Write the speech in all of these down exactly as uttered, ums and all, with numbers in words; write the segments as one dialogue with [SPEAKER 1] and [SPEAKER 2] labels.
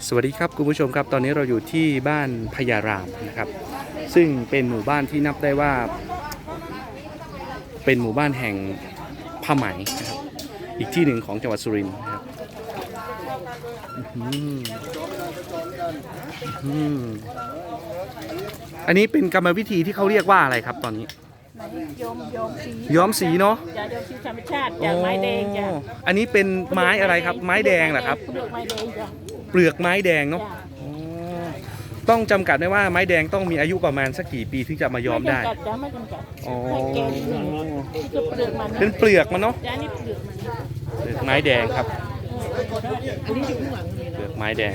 [SPEAKER 1] สวัสดีครับคุณผู้ชมครับตอนนี้เราอยู่ที่บ้านพญารามนะครับซึ่งเป็นหมู่บ้านที่นับได้ว่าเป็นหมู่บ้านแห่งผ้าไหมนะครับอีกที่หนึ่งของจังหวัดสุรินทร์นะครับอันนี้เป็นกรรมวิธีที่เขาเรียกว่าอะไรครับตอนนี้
[SPEAKER 2] ย้อมย้อมสี
[SPEAKER 1] ย้อมสีเนาะ
[SPEAKER 2] จะย้อมสีธรรมชาติจากไม้แดงจ้ะ
[SPEAKER 1] อันนี้เป็นไม้อะไรครับไม้แดงเหรอครับ
[SPEAKER 2] เปลือกไม้แดงจ้ะ
[SPEAKER 1] เปลือกไม้แดงเนาะต้องจำกัดได้ว่าไม้แดงต้องมีอายุประมาณสักกี่ปีถึงจะมาย้อมได้
[SPEAKER 2] ไม่จำกัดจ้ะไม่จำกัดให้แก่นิดหนึ่งคือเปลือกมัน
[SPEAKER 1] เป็นเปลือกมันเนาะ
[SPEAKER 2] จ้ะนี่เปลือกมัน
[SPEAKER 1] เปลือกไม้แดงครับ
[SPEAKER 2] อันนี้อยู่ข้างหลังเลย
[SPEAKER 1] เปลือกไม้แดง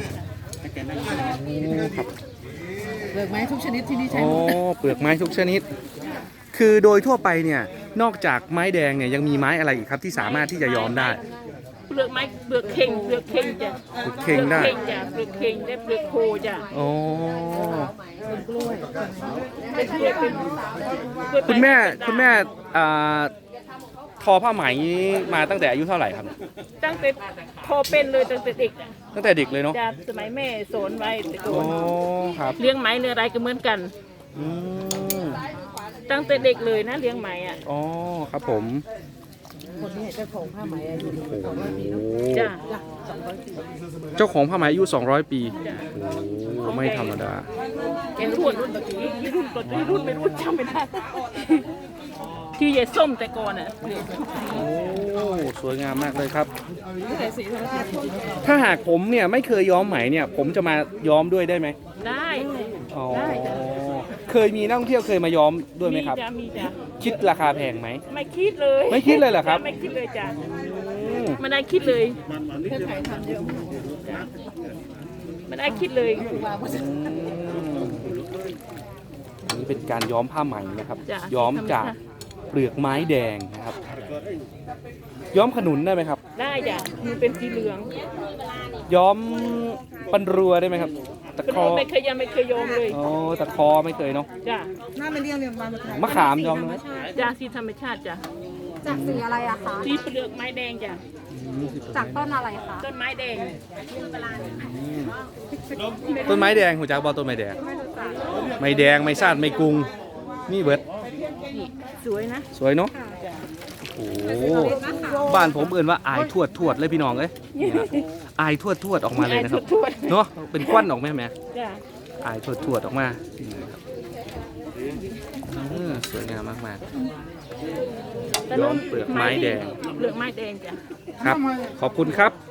[SPEAKER 2] เปลือกไม้ทุกชนิดที่นี่ใช้
[SPEAKER 1] อ๋อเปลือกไม้ทุกชนิดคือโดยทั่วไปเนี่ยนอกจากไม้แดงเนี่ยยังมีไม้อะไรอีกครับที่สามารถที่จะย้อมได้
[SPEAKER 2] เปลือกไม้เปลือกเข่งเปลือกเข่งจ้ะ
[SPEAKER 1] เปลือกเข่งได้
[SPEAKER 2] จ้ะเปลือกเข่งได้เปลือกโคจ้ะ
[SPEAKER 1] อ๋อ
[SPEAKER 2] เป็นกล้วยเป็นกล้วยเป็น
[SPEAKER 1] คุณแม่คุณแม่ทอผ้าไหมมาตั้งแต่อายุเท่าไหร่ครับ
[SPEAKER 2] ตั้งแต่พอเป็นเลยตั้งแต่เด็ก
[SPEAKER 1] ตั้งแต่เด็กเลยเนาะ
[SPEAKER 2] จากสมัยแม่สอนไว้แต่ก่อ
[SPEAKER 1] นครับ
[SPEAKER 2] เลี้ยงไหมเนื้ออะไรก็เหมือนกันตั้งแต่เด็กเลยนะเลี้ยงไหมอ่ะ
[SPEAKER 1] อ๋อครับผม
[SPEAKER 2] คนนี้เจ้าของผ้าไหมอายุสองร้อยปี
[SPEAKER 1] จ้าเจ้าของผ้าไหมอายุสองร้อยปีโอ้ไม่ธรรมดา
[SPEAKER 2] แกรุ่นรุ่นตะกี้รุ่นรุ่นรุ่นไม่รุ่นจำไม่ได้ที่ยายส้มแต่ก่อนอ่ะ
[SPEAKER 1] โอ้สวยงามมากเลยครับถ้าหากผมเนี่ยไม่เคยย้อมไหมเนี่ยผมจะมาย้อมด้วยได้ไหม
[SPEAKER 2] ได้
[SPEAKER 1] อ๋อเคยมีนักท่องเที่ยวเคยมาย้อมด้วยไหมครับ
[SPEAKER 2] มีจ้ะ
[SPEAKER 1] คิดราคาแพงไหม
[SPEAKER 2] ไม่คิดเลย
[SPEAKER 1] ไม่คิดเลยเหรอครับ
[SPEAKER 2] ไม่คิดเลยจ้ะไม่ได้คิดเลยไม่ได้คิดเลย
[SPEAKER 1] อันนี้เป็นการย้อมผ้าไหมนะครับย้อมจากเปลือกไม้แดงนะครับย้อมขนุนได้ไหมครับ
[SPEAKER 2] ได้จ้ะมันเป็นสีเหลือง
[SPEAKER 1] ย้อมปันรัวได้ไหมครับ
[SPEAKER 2] ตะคอไม่เคยยังไม่เคยย้อมเลย
[SPEAKER 1] อ๋อตะคอไม่เคยเนาะ
[SPEAKER 2] จ้ะ
[SPEAKER 3] หน้าไม่เรียงเรียงม
[SPEAKER 1] มะขามย้อมไหม
[SPEAKER 2] จ้ะสีธรรมชาติจ้ะ
[SPEAKER 3] จากสีอะไรอะคะ
[SPEAKER 2] สีเปลือกไม้แดงจ้ะ
[SPEAKER 3] จากต้นอะไรคะ
[SPEAKER 2] ต้นไม้แดง
[SPEAKER 1] ต้นไม้แดงหัวจักบอต้นไม้แดงไม้แดงไม้ซาดไม้กุ้งนี่เบิร์ด
[SPEAKER 2] สวยนะ
[SPEAKER 1] สวยเนาะโอ้บ้านผมเอื่นว่าอายทวดทวดเลยพี่น้องเอ้ยอายทวดทวดออกมาเลยนะครับเนาะเป็นควันออกไหมแม่อายทวดทวดออกมาสวยงามมากๆย้อมเปลือกไม้แดง
[SPEAKER 2] เปลือกไม้แดงจ้ะ
[SPEAKER 1] ครับขอบคุณครับ